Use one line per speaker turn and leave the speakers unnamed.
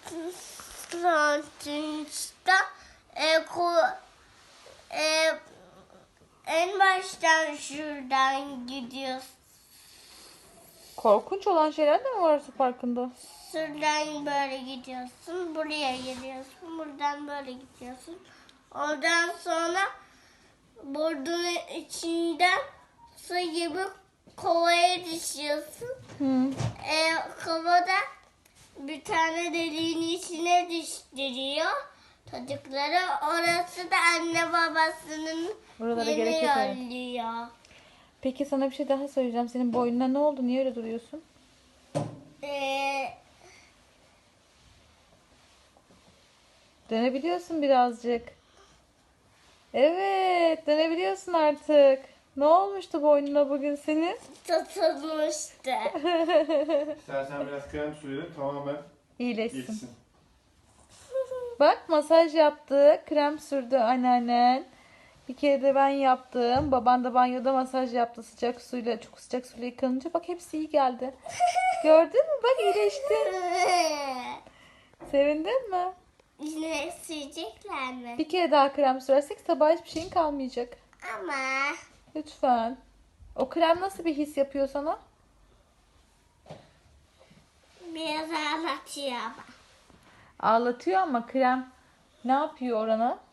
sonuçta en baştan şuradan gidiyorsun.
Korkunç olan şeyler de mi var su parkında?
Şuradan böyle gidiyorsun. Buraya geliyorsun. Buradan böyle gidiyorsun. Oradan sonra burnunun içinden su gibi kovaya düşüyorsun.
Hı.
Kovada bir tane deliğin içine düşürüyor çocukları. Orası da anne babasının
Buralara
yeni
gerek yok, evet.
yolluyor.
Peki sana bir şey daha söyleyeceğim. Senin boynuna ne oldu? Niye öyle duruyorsun? Dönebiliyorsun birazcık. Evet, dönebiliyorsun artık. Ne olmuştu boynuna bugün senin?
Tutulmuştu.
İstersen biraz krem sürelim tamamen
İyileşsin.
geçsin.
Bak, masaj yaptı. Krem sürdü anneannen. Bir kere de ben yaptım. Baban da banyoda masaj yaptı sıcak suyla. Çok sıcak suyla yıkanınca bak hepsi iyi geldi. Gördün mü? Bak iyileştin. Sevindin mi?
Yine sürecekler mi?
Bir kere daha krem sürersek sabah hiçbir şeyin kalmayacak.
Ama
Lütfen. O krem nasıl bir his yapıyor sana?
biraz ağlatıyor ama.
Ağlatıyor ama krem ne yapıyor orana?